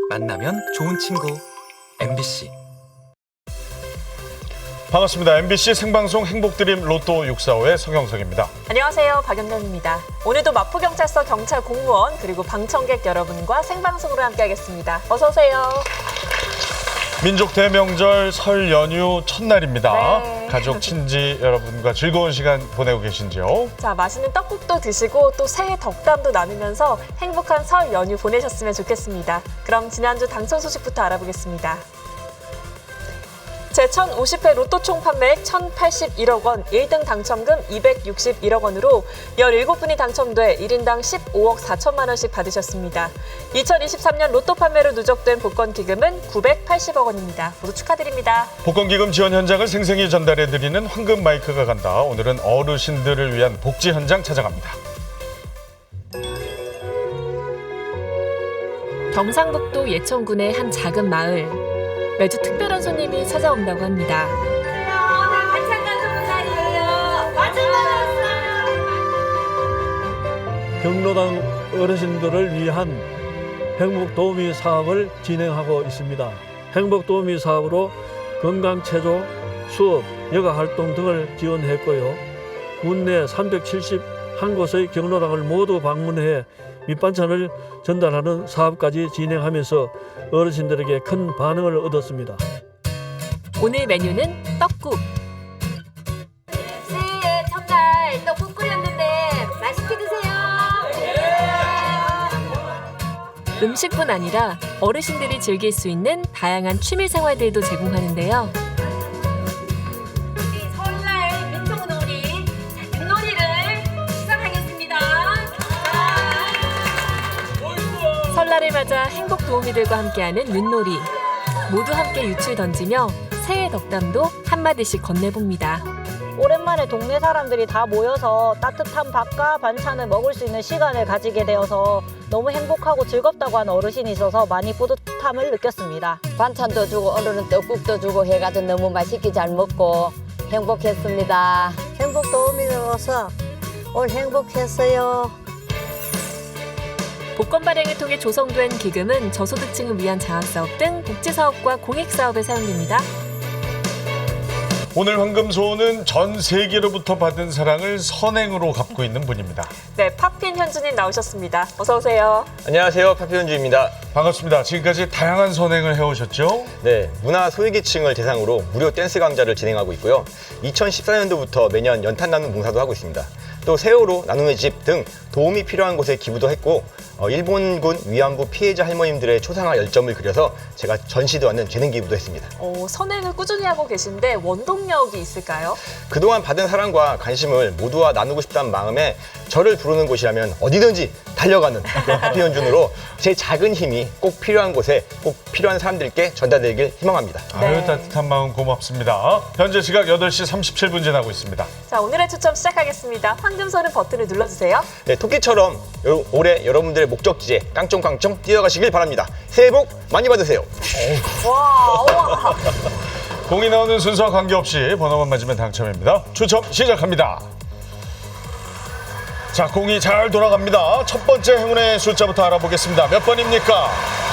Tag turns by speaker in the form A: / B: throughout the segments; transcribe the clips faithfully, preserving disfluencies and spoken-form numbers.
A: 만나면 좋은 친구 엠비씨.
B: 반갑습니다. 엠비씨 생방송 행복드림 로또 육사오의 서경석입니다.
C: 안녕하세요. 박연경입니다. 오늘도 마포경찰서 경찰 공무원 그리고 방청객 여러분과 생방송으로 함께하겠습니다. 어서 오세요.
B: 민족 대명절 설 연휴 첫날입니다.
C: 네.
B: 가족, 친지 여러분과 즐거운 시간 보내고 계신지요?
C: 자, 맛있는 떡국도 드시고 또 새해 덕담도 나누면서 행복한 설 연휴 보내셨으면 좋겠습니다. 그럼 지난주 당첨 소식부터 알아보겠습니다. 제천오십 회 로또 총 판매액 천팔십일억 원, 일 등 당첨금 이백육십일억 원으로 열일곱 분이 당첨돼 일 인당 십오억 사천만 원씩 받으셨습니다. 이천이십삼 년 로또 판매로 누적된 복권 기금은 구백팔십억 원입니다. 모두 축하드립니다.
B: 복권기금 지원 현장을 생생히 전달해드리는 황금 마이크가 간다. 오늘은 어르신들을 위한 복지 현장 찾아갑니다.
C: 경상북도 예천군의 한 작은 마을. 매주 특별한 손님이 찾아온다고 합니다.
D: 오늘 반찬 가져온 날이에요. 반찬 가져왔어요.
E: 경로당 어르신들을 위한 행복도우미 사업을 진행하고 있습니다. 행복도우미 사업으로 건강체조, 수업, 여가활동 등을 지원했고요. 국내 삼백칠십일 곳의 경로당을 모두 방문해 밑반찬을 전달하는 사업까지 진행하면서 어르신들에게 큰 반응을 얻었습니다.
C: 오늘 메뉴는 떡국.
D: 새해 첫날 떡국 끓였는데 맛있게 드세요.
C: 음식뿐 아니라 어르신들이 즐길 수 있는 다양한 취미 생활들도 제공하는데요.
D: 우리 설날 민속놀이, 자, 윷놀이를 시작하겠습니다.
C: 설날을 맞아 행복 도우미들과 함께하는 윷놀이. 모두 함께 유출 던지며 새해 덕담도 한마디씩 건네봅니다.
F: 오랜만에 동네 사람들이 다 모여서 따뜻한 밥과 반찬을 먹을 수 있는 시간을 가지게 되어서 너무 행복하고 즐겁다고 하는 어르신이 있어서 많이 뿌듯함을 느꼈습니다.
G: 반찬도 주고 오늘은 떡국도 주고 해가지고 너무 맛있게 잘 먹고 행복했습니다.
F: 행복 도우미로서 오늘 행복했어요.
C: 복권 발행을 통해 조성된 기금은 저소득층을 위한 장학사업 등 복지사업과 공익사업에 사용됩니다.
B: 오늘 황금소원은 전 세계로부터 받은 사랑을 선행으로 갚고 있는 분입니다.
C: 네, 파핀 현주님 나오셨습니다. 어서 오세요.
H: 안녕하세요. 파피현주입니다.
B: 반갑습니다. 지금까지 다양한 선행을 해오셨죠?
H: 네, 문화 소외계층을 대상으로 무료 댄스 강좌를 진행하고 있고요. 이천십사 년도부터 매년 연탄 나눔 봉사도 하고 있습니다. 또 세월호 나눔의 집 등 도움이 필요한 곳에 기부도 했고 어, 일본군 위안부 피해자 할머님들의 초상화 열점을 그려서 제가 전시도 하는 재능 기부도 했습니다.
C: 어, 선행을 꾸준히 하고 계신데 원동력이 있을까요?
H: 그동안 받은 사랑과 관심을 모두와 나누고 싶다는 마음에 저를 부르는 곳이라면 어디든지 달려가는 그런 파피현준으로 제 작은 힘이 꼭 필요한 곳에 꼭 필요한 사람들께 전달되길 희망합니다.
C: 네.
B: 아유, 따뜻한 마음 고맙습니다. 현재 시각 여덟 시 삼십칠 분 지나고 있습니다.
C: 자, 오늘의 추첨 시작하겠습니다. 황금소는 버튼을 눌러주세요.
H: 네, 토끼처럼 요- 올해 여러분들의 목적지에 깡총깡총 뛰어가시길 바랍니다. 새해 복 많이 받으세요.
C: 와, 와.
B: 공이 나오는 순서와 관계없이 번호만 맞으면 당첨입니다. 추첨 시작합니다. 자, 공이 잘 돌아갑니다. 첫 번째 행운의 숫자부터 알아보겠습니다. 몇 번입니까?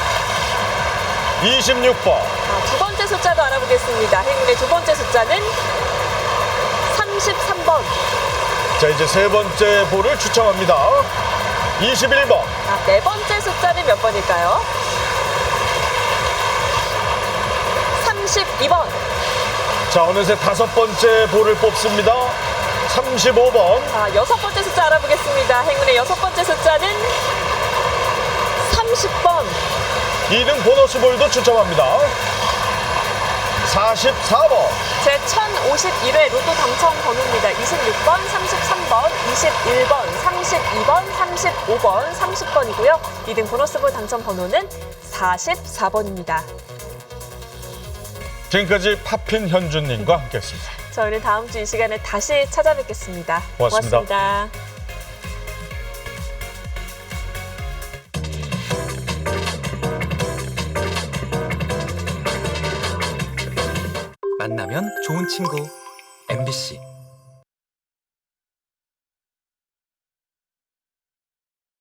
B: 이십육 번.
C: 자, 두 번째 숫자도 알아보겠습니다. 행운의 두 번째 숫자는 삼십삼 번.
B: 자, 이제 세 번째 볼을 추첨합니다. 이십일 번.
C: 자, 네 번째 숫자는 몇 번일까요? 삼십이 번.
B: 자, 어느새 다섯 번째 볼을 뽑습니다. 삼십오 번.
C: 자, 여섯 번째 숫자 알아보겠습니다. 행운의 여섯 번째 숫자는 삼십 번.
B: 이 등 보너스 볼도 추첨합니다. 사십사 번.
C: 제 천오십일 회 로또 당첨 번호입니다. 이십육 번, 삼십삼 번, 이십일 번, 삼십이 번, 삼십오 번, 삼십 번이고요. 이 등 보너스볼 당첨 번호는 사십사 번입니다.
B: 지금까지 파핀 현준님과 함께했습니다.
C: 저희는 다음 주 이 시간에 다시 찾아뵙겠습니다.
B: 고맙습니다.
C: 고맙습니다.
A: 만나면 좋은 친구 엠비씨.